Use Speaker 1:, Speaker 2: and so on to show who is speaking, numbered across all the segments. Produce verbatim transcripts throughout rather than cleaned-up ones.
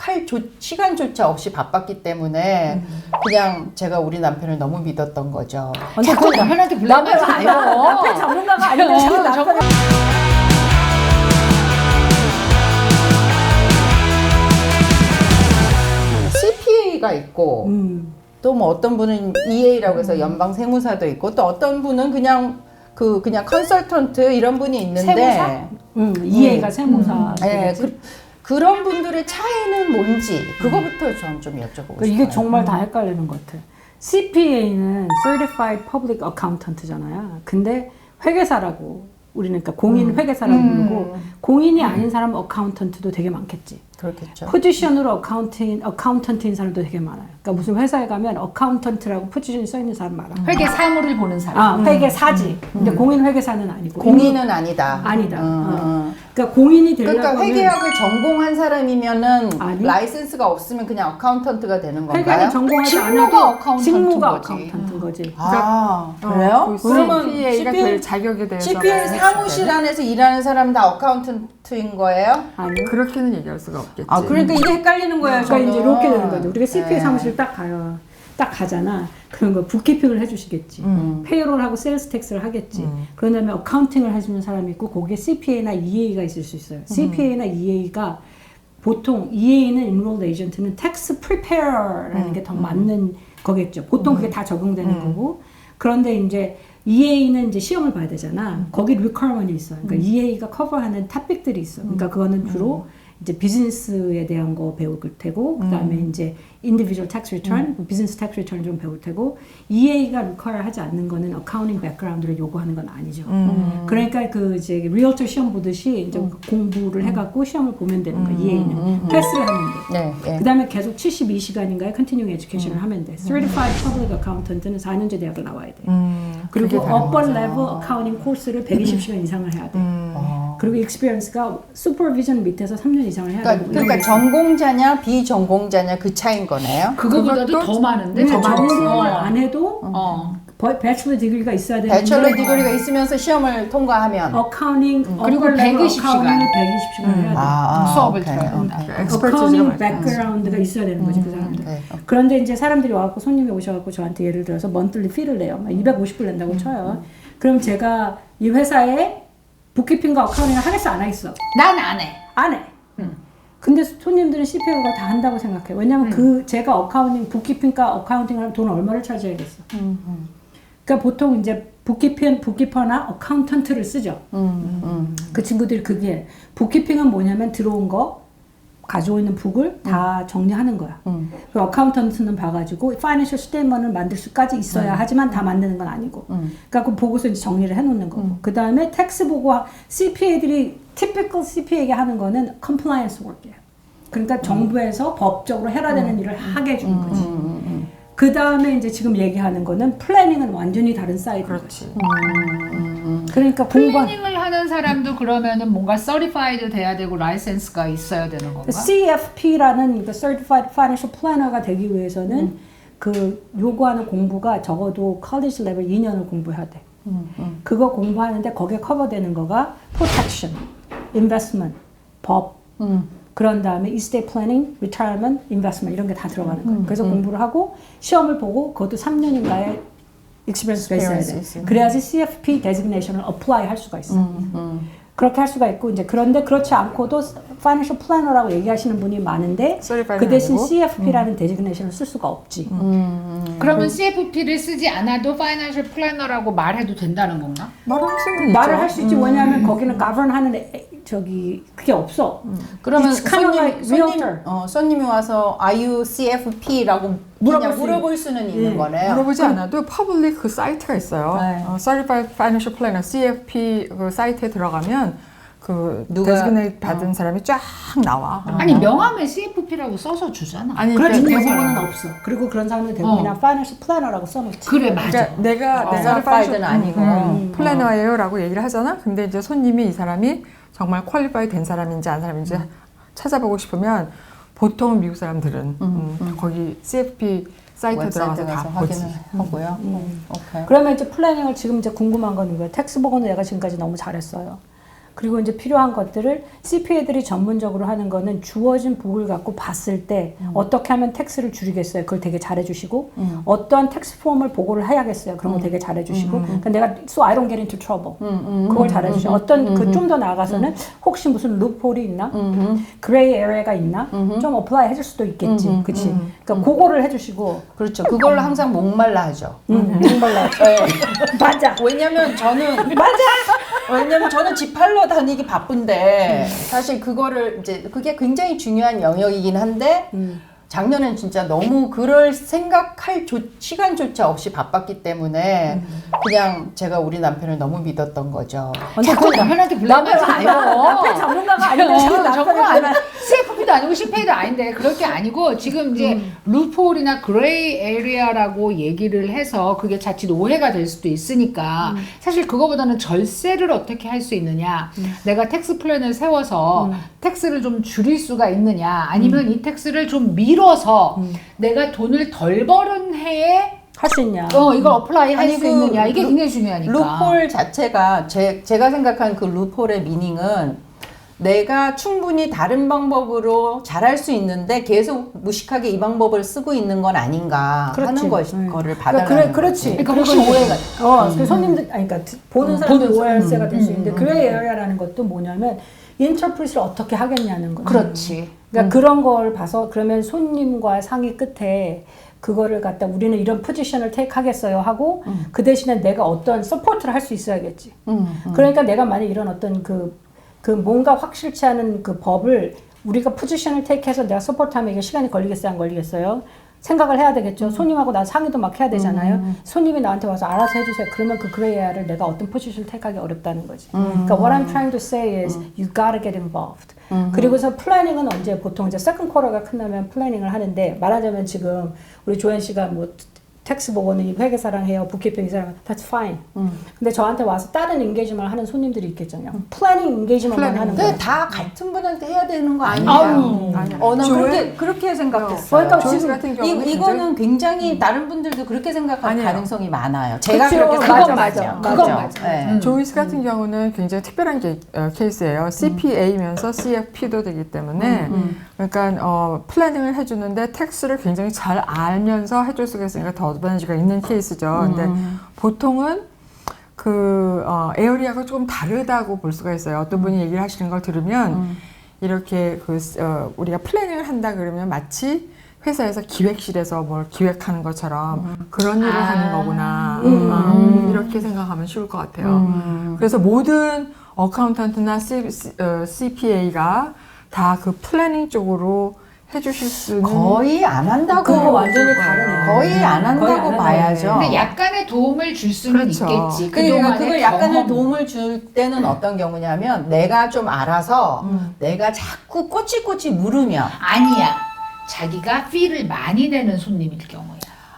Speaker 1: 할 조, 시간조차 없이 바빴기 때문에 음. 그냥 제가 우리 남편을 너무 믿었던 거죠.
Speaker 2: 자꾸 남편한테 불러가지 마요.
Speaker 3: 남편 전문가가 아닌데 자꾸 남편.
Speaker 1: 씨피에이가 있고
Speaker 3: 음.
Speaker 1: 또 뭐 어떤 분은 이에이라고 해서 연방 세무사도 있고 또 어떤 분은 그냥 그 그냥 컨설턴트 이런 분이 있는데
Speaker 3: 세무사? 음, 이에이가
Speaker 1: 음.
Speaker 3: 세무사.
Speaker 1: 음. 네, 그, 그런 분들의 차이는 뭔지 그거부터 저는 좀 여쭤보고
Speaker 3: 그러니까
Speaker 1: 싶어요.
Speaker 3: 이게 정말 다 헷갈리는 것 같아. 씨피에이는 Certified Public Accountant잖아요. 근데 회계사라고 우리는 그러니까 공인
Speaker 1: 음.
Speaker 3: 회계사라고
Speaker 1: 음.
Speaker 3: 부르고 공인이 아닌 사람은 어카운턴트도 되게 많겠지.
Speaker 1: 그렇겠죠.
Speaker 3: 포지션으로 어카운팅, 어카운턴트인 사람도 되게 많아요. 그러니까 무슨 회사에 가면 어카운턴트라고 포지션이 써 있는 사람 많아.
Speaker 2: 회계 사무를 보는 사람.
Speaker 3: 아, 회계사지. 근데 공인 회계사는 아니고.
Speaker 1: 공인은 아니다.
Speaker 3: 아니다.
Speaker 1: 음,
Speaker 3: 어.
Speaker 1: 음.
Speaker 3: 그러니까 공인이 되려면
Speaker 1: 그러니까 회계학을 전공한 사람이면은
Speaker 3: 아니.
Speaker 1: 라이센스가 없으면 그냥 어카운턴트가 되는 건가요?
Speaker 3: 회계를 전공하지
Speaker 2: 직무가
Speaker 3: 않아도
Speaker 2: 어카운턴트인
Speaker 3: 직무가
Speaker 2: 거지.
Speaker 3: 어카운턴트인 거지.
Speaker 1: 아,
Speaker 4: 어,
Speaker 1: 그래요?
Speaker 4: 그
Speaker 1: 그러면
Speaker 4: 씨피에이가
Speaker 1: 씨피에이
Speaker 4: 될 자격에 대해서
Speaker 1: 씨피에이 사무실 안에서 일하는 사람은 다 어카운턴트인 거예요?
Speaker 3: 아니.
Speaker 4: 그렇게는 얘기할 수가 없겠지.
Speaker 1: 아, 그러니까 이게 헷갈리는 거예요,
Speaker 3: 그러니까
Speaker 1: 저는.
Speaker 3: 이제 이렇게 되는 거죠. 우리가 씨피에이
Speaker 1: 네.
Speaker 3: 사무실 딱 가요. 딱 가잖아. 그런 거 북키핑을 해주시겠지.
Speaker 1: 음.
Speaker 3: 페이롤하고 세일스 텍스를 하겠지.
Speaker 4: 음.
Speaker 3: 그런 다음에 어카운팅을 해주는 사람이 있고 거기에 씨피에이나 이에이가 있을 수 있어요. 씨피에이나 이에이가 보통 이에이는 Enrolled Agent는 Tax Preparer라는
Speaker 4: 음.
Speaker 3: 게 더 맞는 거겠죠. 보통 그게 다 적용되는
Speaker 4: 음.
Speaker 3: 거고. 그런데 이제 이에이는 이제 시험을 봐야 되잖아. 거기 requirement이 있어요. 그러니까 이에이가 커버하는 탑픽들이 있어. 그러니까 그거는 주로 이제 비즈니스에 대한 거 배울 테고, 그 다음에 이제 individual tax return, 비즈니스 tax return 좀 배울 테고, 이에이가 require 하지 않는 거는 accounting background를 요구하는 건 아니죠.
Speaker 4: 음.
Speaker 3: 그러니까 그 이제 리얼터 시험 보듯이 이제 공부를 해갖고 시험을 보면 되는 거야. 이에이는 패스를 하면 돼.
Speaker 1: 네, 네.
Speaker 3: 그 다음에 계속 칠십이 시간인가에 continuing education을 하면 돼. Certified Public Accountant는 사 년제 대학을 나와야 돼.
Speaker 4: 음,
Speaker 3: 그리고
Speaker 4: 그게 다른
Speaker 3: upper
Speaker 4: 거죠.
Speaker 3: level accounting 코스를 백이십 시간 이상을 해야 돼.
Speaker 4: 음.
Speaker 3: 그리고 experience가 supervision 밑에서 삼 년 이상을 해야
Speaker 1: 그러니까,
Speaker 3: 되고.
Speaker 1: 그러니까 전공자냐 비전공자냐 그 차이인 거네요.
Speaker 2: 그거보다도
Speaker 4: 그것도
Speaker 2: 더 많은데.
Speaker 3: 근데
Speaker 2: 더 많지.
Speaker 3: 전공을
Speaker 2: 어.
Speaker 3: 안 해도
Speaker 2: 어.
Speaker 3: 배추러 디그리가 있어야 되는데
Speaker 1: 배철러 디그리가 있으면서 시험을 통과하면
Speaker 3: 어카운팅
Speaker 2: 그리고 백이십 시간.
Speaker 3: 백이십 시간을 해야 돼.
Speaker 1: 아, 아,
Speaker 2: 수업을
Speaker 1: 오케이,
Speaker 2: 들어야
Speaker 1: 오케이.
Speaker 2: 된다.
Speaker 4: 엑스퍼티즈가
Speaker 3: 어카운팅
Speaker 4: 많죠.
Speaker 3: 백그라운드가 있어야 되는 거지 그 사람들.
Speaker 1: 오케이.
Speaker 3: 그런데 이제 사람들이 와갖고 손님이 오셔갖고 저한테 예를 들어서 먼틀리 피를 내요. 막 이백오십 불 낸다고 쳐요. 그럼 제가 이 회사에 북키핑과 어카운팅을 하겠어 안 하겠어?
Speaker 2: 난 안 해.
Speaker 3: 안 해. 근데 손님들은 씨피에이가 다 한다고 생각해. 왜냐면 그 제가 어카운팅, 북키핑과 어카운팅을 하면 돈 얼마를 차지하겠어. 그러니까 보통 이제 북키핑, 북키퍼나 어카운턴트를 쓰죠.
Speaker 1: 음, 음.
Speaker 3: 그 친구들이 그게 북키핑은 뭐냐면 들어온 거 가지고 있는 북을 다 정리하는 거야.
Speaker 1: 음.
Speaker 3: 그리고 어카운턴트는 봐가지고 파이낸셜 스테이먼을 만들 수까지 있어야 하지만 다 만드는 건 아니고.
Speaker 1: 음.
Speaker 3: 그러니까 그 보고서 이제 정리를 해놓는 거고. 그 다음에 텍스 보고 씨피에이들이 typical 씨피에이에게 하는 거는 compliance work이에요. 그러니까 정부에서 법적으로 해야 되는 일을 하게 해주는 거지. 그 다음에 이제 지금 얘기하는 거는 플래닝은 완전히 다른 사이드인 거지.
Speaker 4: 그렇지.
Speaker 3: 그러니까 공부한
Speaker 2: 플래닝을 하는 사람도 그러면은 뭔가 서티파이드 돼야 되고 라이센스가 있어야 되는 건가?
Speaker 3: 씨에프피라는 그 Certified Financial Planner가 되기 위해서는 그 요구하는 공부가 적어도 컬리지 레벨 이 년을 공부해야 돼. 그거 공부하는데 거기에 커버되는 거가 protection, investment, 법, 그런 다음에 estate planning, retirement, investment 이런 게 다 들어가는 거예요. 그래서 공부를 하고 시험을 보고 그것도 삼 년인가의 experience가 있어야 돼.
Speaker 1: 있어요.
Speaker 3: 그래야지 씨에프피 designation을 apply 할 수가 있어. 그렇게 할 수가 있고 이제 그런데 그렇지 않고도 financial planner라고 얘기하시는 분이 많은데 그 대신
Speaker 4: 아니고?
Speaker 3: 씨에프피라는 designation을 쓸 수가 없지.
Speaker 2: 그러면 씨에프피를 쓰지 않아도 파이낸셜 플래너라고 말해도 된다는 건가?
Speaker 4: 말할 수는 있죠.
Speaker 3: 말을 할 수 있지. 왜냐하면 거기는 govern하는 애- 저기 그게 없어.
Speaker 1: 그러면
Speaker 3: It's kind of
Speaker 1: 손님,
Speaker 3: like
Speaker 1: 손님,
Speaker 3: realtor.
Speaker 1: 어, 손님이 와서 Are you 씨에프피라고
Speaker 3: 물어볼
Speaker 1: 그냥
Speaker 3: 수
Speaker 1: 물어볼 수는 있는
Speaker 3: 네.
Speaker 1: 거네요.
Speaker 4: 물어보지 않아도 퍼블릭 그 사이트가 있어요.
Speaker 3: 네.
Speaker 4: 어, Certified Financial Planner (씨에프피) 그 사이트에 들어가면 그
Speaker 1: 누가-
Speaker 4: 데지그네이트 받은 사람이 쫙 나와.
Speaker 2: 아니 명함에 씨에프피라고 써서 주잖아.
Speaker 4: 아니
Speaker 3: 그렇지
Speaker 4: 그러니까
Speaker 3: 대부분은 없어. 그리고 그런 사람들 대부분 그냥 financial planner라고 써놓지.
Speaker 2: 그래 맞아.
Speaker 4: 그러니까 내가
Speaker 1: 어,
Speaker 4: 내가
Speaker 1: certified는 아니고.
Speaker 4: 음, 플래너예요라고 얘기를 하잖아. 근데 이제 손님이 이 사람이 정말 퀄리파이 된 사람인지 안 사람인지 찾아보고 싶으면 보통 미국 사람들은 음, 거기 씨에프피 사이트에 들어가서
Speaker 1: 웹사이트
Speaker 4: 다
Speaker 1: 가서
Speaker 4: 보지.
Speaker 1: 확인을 하고요. 음. 오케이.
Speaker 3: 그러면 이제 플래닝을 지금 이제 궁금한 건 이거예요. 텍스 보고는 내가 지금까지 너무 잘했어요. 그리고 이제 필요한 것들을 씨피에이들이 전문적으로 하는 거는 주어진 북을 갖고 봤을 때
Speaker 1: 음.
Speaker 3: 어떻게 하면 텍스를 줄이겠어요. 그걸 되게 잘해주시고
Speaker 1: 음.
Speaker 3: 어떠한 텍스 폼을 보고를 해야겠어요. 그런 거 되게 잘해주시고 그러니까 내가 so I don't get into trouble
Speaker 1: 음, 음,
Speaker 3: 그걸
Speaker 1: 음,
Speaker 3: 잘해주시고
Speaker 1: 음,
Speaker 3: 어떤
Speaker 1: 음,
Speaker 3: 그 좀 더 나아가서는 혹시 무슨 루폴이 있나
Speaker 1: 음,
Speaker 3: 그레이 에리어가 있나
Speaker 1: 음.
Speaker 3: 좀 어플라이 해줄 수도 있겠지.
Speaker 1: 음,
Speaker 3: 그치?
Speaker 1: 음,
Speaker 3: 그러니까 그거를 해주시고
Speaker 1: 그렇죠. 그걸로 항상 목말라 하죠.
Speaker 3: 음, 정말로
Speaker 1: 네.
Speaker 3: 맞아.
Speaker 1: 왜냐면 저는 맞아. 왜냐면 저는 집 팔러 다니기 바쁜데 사실 그거를 이제 그게 굉장히 중요한 영역이긴 한데
Speaker 3: 음.
Speaker 1: 작년엔 진짜 너무 그럴 생각할 조, 시간조차 없이 바빴기 때문에 그냥 제가 우리 남편을 너무 믿었던 거죠.
Speaker 2: 자꾸 남편한테 불러하지 말고.
Speaker 3: 남편 전문가가 아니고 자꾸
Speaker 2: 정말
Speaker 3: 남편을
Speaker 2: 아니
Speaker 3: 불러.
Speaker 2: 씨에프피도 아니고 씨피에이도 아닌데 그럴 게 아니고 지금 이제 루폴이나 그레이 에리아라고 얘기를 해서 그게 자칫 오해가 될 수도 있으니까 사실 그거보다는 절세를 어떻게 할 수 있느냐 내가 텍스 플랜을 세워서 텍스를 좀 줄일 수가 있느냐 아니면 이 텍스를 좀 미뤄서 내가 돈을 덜 버는 해에
Speaker 3: 할 수 있냐?
Speaker 2: 어 이걸 어플라이 할
Speaker 1: 아니,
Speaker 2: 수
Speaker 1: 그
Speaker 2: 있느냐 이게
Speaker 1: 루-
Speaker 2: 굉장히 중요하니까
Speaker 1: 루폴 자체가 제, 제가 생각한 그 루폴의 미닝은 내가 충분히 다른 방법으로 잘할 수 있는데 계속 무식하게 이 방법을 쓰고 있는 건 아닌가
Speaker 3: 그렇지.
Speaker 1: 하는 것,
Speaker 3: 음.
Speaker 1: 거를
Speaker 3: 그러니까
Speaker 1: 받아라는
Speaker 3: 그래,
Speaker 1: 거지.
Speaker 3: 그렇지.
Speaker 2: 그러니까
Speaker 3: 그리고
Speaker 2: 혹시
Speaker 3: 이제-
Speaker 2: 오해가
Speaker 3: 어, 그 손님들, 아니, 그러니까 보는 사람들
Speaker 2: 보는
Speaker 3: 오해할
Speaker 2: 사람.
Speaker 3: 세가 될 수
Speaker 2: 음,
Speaker 3: 있는데
Speaker 2: 음,
Speaker 3: 그레이 에리어라는 것도 뭐냐면 인터프리트를 어떻게 하겠냐는 거예요.
Speaker 2: 그렇지
Speaker 3: 그러니까 그런 걸 봐서 그러면 손님과 상의 끝에 그거를 갖다 우리는 이런 포지션을 테이크 하겠어요 하고 그 대신에 내가 어떤 서포트를 할 수 있어야겠지.
Speaker 1: 음, 음.
Speaker 3: 그러니까 내가 만약 이런 어떤 그, 그 뭔가 확실치 않은 그 법을 우리가 포지션을 테이크해서 내가 서포트하면 이게 시간이 걸리겠어요 안 걸리겠어요? 생각을 해야 되겠죠. 손님하고 나 상의도 막 해야 되잖아요. 손님이 나한테 와서 알아서 해주세요. 그러면 그 그레이아를 내가 어떤 포지션을 택하기 어렵다는 거지. 그러니까 what I'm trying to say is you gotta get involved. 그리고서 플래닝은 언제 보통 이제 세컨 쿼터가 끝나면 플래닝을 하는데 말하자면 지금 우리 조현 씨가 뭐 텍스 보고는 회계사랑 해요, 부키핑 사랑 that's fine. 근데 저한테 와서 다른 인게이지먼을 하는 손님들이 있겠잖아요. 플래닝 인게이지먼만 하는
Speaker 1: 근데
Speaker 3: 거예요.
Speaker 1: 다 같은 분한테 해야 되는 거 아니에요?
Speaker 2: 아유.
Speaker 4: 아니야.
Speaker 1: 어, 난
Speaker 4: 조회-
Speaker 1: 그렇게, 그렇게 생각했어요.
Speaker 3: 그러니까
Speaker 4: 조회수
Speaker 3: 지금
Speaker 4: 같은
Speaker 1: 이,
Speaker 4: 경우는
Speaker 1: 이거는 굉장히 다른 분들도 그렇게 생각할
Speaker 4: 아니에요.
Speaker 1: 가능성이 많아요. 제가
Speaker 3: 그쵸.
Speaker 1: 그렇게
Speaker 3: 맞아,
Speaker 1: 생각했어요.
Speaker 3: 맞아.
Speaker 2: 그건 맞아.
Speaker 1: 네.
Speaker 2: 음.
Speaker 4: 조이스 같은 경우는 굉장히 특별한 게, 어, 케이스예요. 씨피에이면서 씨에프피도 되기 때문에 그러니까 어, 플래닝을 해주는데 텍스를 굉장히 잘 알면서 해줄 수가 있으니까 더 어드밴티지가 있는 케이스죠. 근데 보통은 그 어, 에어리아가 조금 다르다고 볼 수가 있어요. 어떤 분이 얘기를 하시는 걸 들으면 이렇게 그 어, 우리가 플래닝을 한다 그러면 마치 회사에서 기획실에서 뭘 기획하는 것처럼 그런 일을
Speaker 2: 아.
Speaker 4: 하는 거구나.
Speaker 3: 음.
Speaker 4: 음, 이렇게 생각하면 쉬울 것 같아요. 그래서 모든 어카운턴트나 씨피에이가 다 그 플래닝 쪽으로 해주실 수는
Speaker 1: 거의 안 한다고.
Speaker 3: 그거 완전히
Speaker 1: 볼
Speaker 3: 다른
Speaker 1: 거예요.
Speaker 3: 거예요.
Speaker 1: 거의 안
Speaker 3: 거의 안
Speaker 1: 한다고
Speaker 3: 한다고
Speaker 1: 봐야죠.
Speaker 2: 근데 약간의 도움을 줄 수는
Speaker 4: 그렇죠.
Speaker 2: 있겠지.
Speaker 1: 그러니까
Speaker 2: 그동안의
Speaker 1: 그걸 약간의
Speaker 2: 경험.
Speaker 1: 도움을 줄 때는 어떤 경우냐면 내가 좀 알아서 내가 자꾸 꼬치꼬치 물으면
Speaker 2: 아니야. 자기가 피를 많이 내는 손님일 경우야.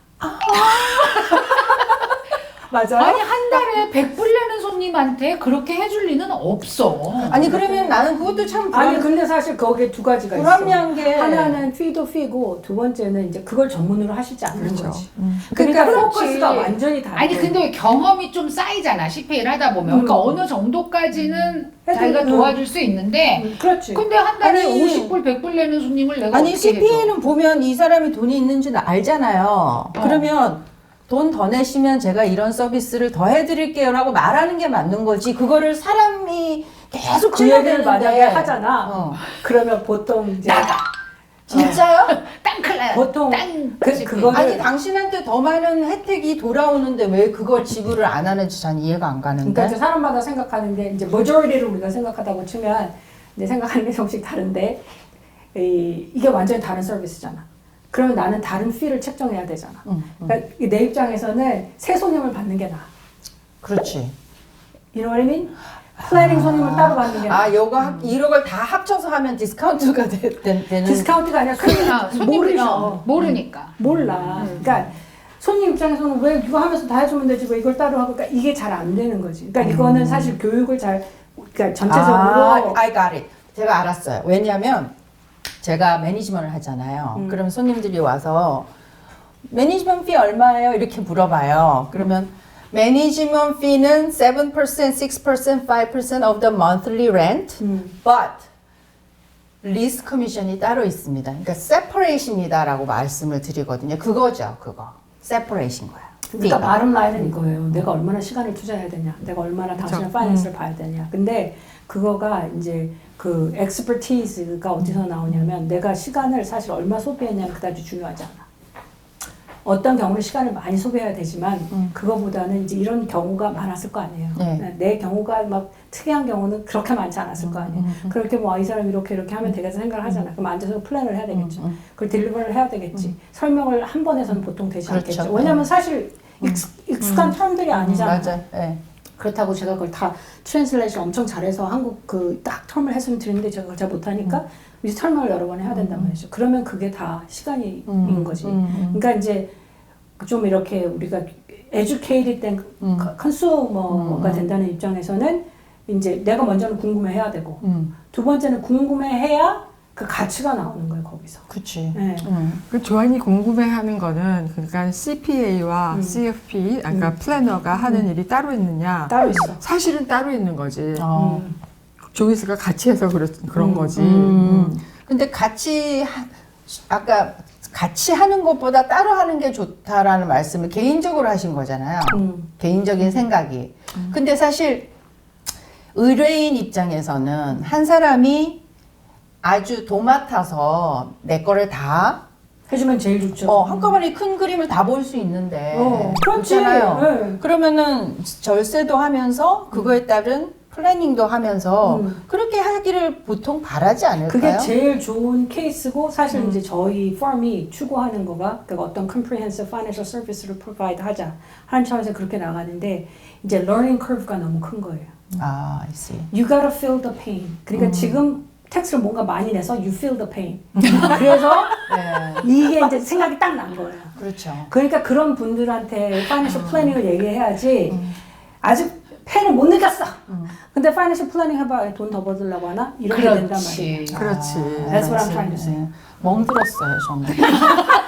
Speaker 3: 맞아요.
Speaker 2: 아니 한 달에 백 불 내는 손님한테 그렇게 해줄 리는 없어.
Speaker 1: 아니 그러면 나는 그것도 참
Speaker 3: 아니
Speaker 1: 불안,
Speaker 3: 근데 사실 거기에 두 가지가 있어.
Speaker 1: 불합리한 게
Speaker 3: 하나는 피도 피고 두 번째는 이제 그걸 전문으로 하시지 않는
Speaker 4: 그렇죠.
Speaker 3: 거지.
Speaker 4: 음.
Speaker 3: 그러니까,
Speaker 1: 그러니까
Speaker 3: 포커스가
Speaker 1: 그렇지.
Speaker 3: 완전히 다르.
Speaker 2: 아니 근데 경험이 좀 쌓이잖아. 씨피에이를 하다 보면. 그러니까
Speaker 3: 음.
Speaker 2: 어느 정도까지는
Speaker 3: 해도-
Speaker 2: 자기가
Speaker 3: 음.
Speaker 2: 도와줄 수 있는데
Speaker 3: 음, 그렇지.
Speaker 2: 근데 한 달에
Speaker 1: 아니,
Speaker 2: 오십 불, 백 불 내는 손님을 내가
Speaker 1: 아니
Speaker 2: 어떻게 해줘?
Speaker 1: 씨피에이는 보면 이 사람이 돈이 있는지는 알잖아요. 그러면 돈 더 내시면 제가 이런 서비스를 더 해드릴게요 라고 말하는 게 맞는 거지. 그거를 사람이 계속
Speaker 3: 그 얘기를 만약에
Speaker 1: 찔러대는데.
Speaker 3: 하잖아.
Speaker 1: 어.
Speaker 3: 그러면 보통 이제
Speaker 2: 나가.
Speaker 1: 진짜요?
Speaker 2: 땅클라.
Speaker 3: 보통
Speaker 2: 땅.
Speaker 3: 그-
Speaker 2: 씨피에이.
Speaker 3: 그거를-
Speaker 1: 아니 당신한테 더 많은 혜택이 돌아오는데 왜 그걸 지불을 안 하는지 전 이해가 안 가는데.
Speaker 3: 그러니까 이제 사람마다 생각하는 게 이제 majority를 우리가 생각하다고 치면 이제 생각하는 게 조금씩 다른데 이, 이게 완전히 다른 서비스잖아. 그러면 나는 다른 피를 책정해야 되잖아.
Speaker 1: 음, 음.
Speaker 3: 그러니까 내 입장에서는 새 손님을 받는 게 나아.
Speaker 1: 그렇지.
Speaker 3: You know what I mean? 플래닝 손님을 따로 받는 게 나아.
Speaker 1: 아, 이거 합- 이런 걸 다 합쳐서 하면 디스카운트가 되, 되, 되는.
Speaker 3: 디스카운트가 아니라
Speaker 2: 아,
Speaker 3: 그냥
Speaker 2: 손님이
Speaker 3: 모르죠.
Speaker 2: 어, 모르니까.
Speaker 3: 몰라. 그러니까 손님 입장에서는 왜 이거 하면서 다 해주면 되지 왜 이걸 따로 하고 그러니까 이게 잘 안 되는 거지. 그러니까 이거는 사실 교육을 잘 그러니까 전체적으로
Speaker 1: 아, I got it. 제가 알았어요. 왜냐면 제가 매니지먼트를 하잖아요.
Speaker 3: 음.
Speaker 1: 그럼 손님들이 와서 매니지먼트 피 얼마예요? 이렇게 물어봐요. 그러면 management fee는 seven percent, six percent, five percent of the monthly rent,
Speaker 3: 음.
Speaker 1: but 리스 커미션이 따로 있습니다. 그러니까 separate입니다라고 말씀을 드리거든요. 그거죠, 그거. separation 거야.
Speaker 3: 그러니까
Speaker 1: fee.
Speaker 3: 바름 라인은 이거예요. 내가 얼마나 시간을 투자해야 되냐, 내가 얼마나 당신의
Speaker 4: 그쵸.
Speaker 3: 파이낸스를 봐야 되냐. 근데 그거가 이제 그 엑스퍼티즈가 어디서 나오냐면 내가 시간을 사실 얼마 소비했냐는 그다지 중요하지 않아. 어떤 경우는 시간을 많이 소비해야 되지만
Speaker 1: 음.
Speaker 3: 그거보다는 이제 이런 경우가 많았을 거 아니에요.
Speaker 1: 네.
Speaker 3: 내 경우가 막 특이한 경우는 그렇게 많지 않았을 거 아니에요.
Speaker 1: 음,
Speaker 3: 그렇게 뭐 이 사람 이렇게 이렇게 하면 되겠다 생각을 하잖아. 그럼 앉아서 플랜을 해야 되겠죠.
Speaker 1: 음, 음.
Speaker 3: 그걸 딜리버를 해야 되겠지. 설명을 한 번에서는 보통 되지
Speaker 1: 그렇죠.
Speaker 3: 않겠죠. 왜냐하면 사실 익숙, 익숙한 term들이 아니잖아요.
Speaker 1: 맞아요. 네.
Speaker 3: 그렇다고 제가 그걸 다 트랜슬레이션 엄청 잘해서 한국 그 딱 텀을 했으면 드리는데 제가 그걸 잘 못하니까 이제 설명을 여러 번 해야 된단 말이죠. 그러면 그게 다 시간이
Speaker 1: 음,
Speaker 3: 인 거지.
Speaker 1: 음, 음.
Speaker 3: 그러니까 이제 좀 이렇게 우리가 educated 된
Speaker 1: 음.
Speaker 3: 컨슈머가
Speaker 1: 음, 음.
Speaker 3: 된다는 입장에서는 이제 내가 먼저는 궁금해해야 되고
Speaker 1: 음,
Speaker 3: 두 번째는 궁금해해야 그 가치가 나오는 거예요 거기서.
Speaker 1: 그치.
Speaker 3: 네.
Speaker 1: 음.
Speaker 4: 그 조안이 궁금해하는 거는 그러니까 씨피에이와
Speaker 3: 음.
Speaker 4: 씨에프피, 그러니까 플래너가 하는 일이 따로 있느냐?
Speaker 3: 따로 있어.
Speaker 4: 사실은 따로 있는 거지.
Speaker 1: 어.
Speaker 3: 음.
Speaker 4: 조이스가 같이 해서 그렇, 그런
Speaker 3: 음.
Speaker 4: 거지.
Speaker 1: 음. 근데 같이 하, 아까 같이 하는 것보다 따로 하는 게 좋다라는 말씀을 개인적으로 하신 거잖아요.
Speaker 3: 음.
Speaker 1: 개인적인 생각이. 근데 사실 의뢰인 입장에서는 한 사람이 아주 도맡아서 내 거를 다
Speaker 3: 해주면 제일 좋죠.
Speaker 1: 어, 한꺼번에 큰 그림을 다 볼 수 있는데
Speaker 3: 어, 그렇지.
Speaker 1: 그렇잖아요.
Speaker 3: 네.
Speaker 1: 그러면은 절세도 하면서 그거에 따른 플래닝도 하면서
Speaker 3: 음.
Speaker 1: 그렇게 하기를 보통 바라지 않을까요?
Speaker 3: 그게 제일 좋은 케이스고 사실
Speaker 1: 음.
Speaker 3: 이제 저희 펌이 추구하는 거가 그러니까 어떤 comprehensive financial service를 provide 하자 하는 차원에서 그렇게 나가는데 이제 learning curve가 너무 큰 거예요.
Speaker 1: 아, I see.
Speaker 3: You gotta feel the pain. 그러니까
Speaker 1: 음.
Speaker 3: 지금 텍스를 뭔가 많이 내서 you feel the pain. 그래서
Speaker 1: 네,
Speaker 3: 이게 이제 생각이 딱 난 거예요.
Speaker 1: 그렇죠.
Speaker 3: 그러니까 그런 분들한테 financial planning을 얘기해야지
Speaker 1: 음.
Speaker 3: 아직 펜을 못 느꼈어.
Speaker 1: 음.
Speaker 3: 근데 financial planning 해봐 돈 더 벌으려고 하나? 이렇게 된단 말이에요.
Speaker 2: 그렇지.
Speaker 4: 그렇지.
Speaker 3: That's what I'm trying to say.
Speaker 1: 멍들었어요, 저는.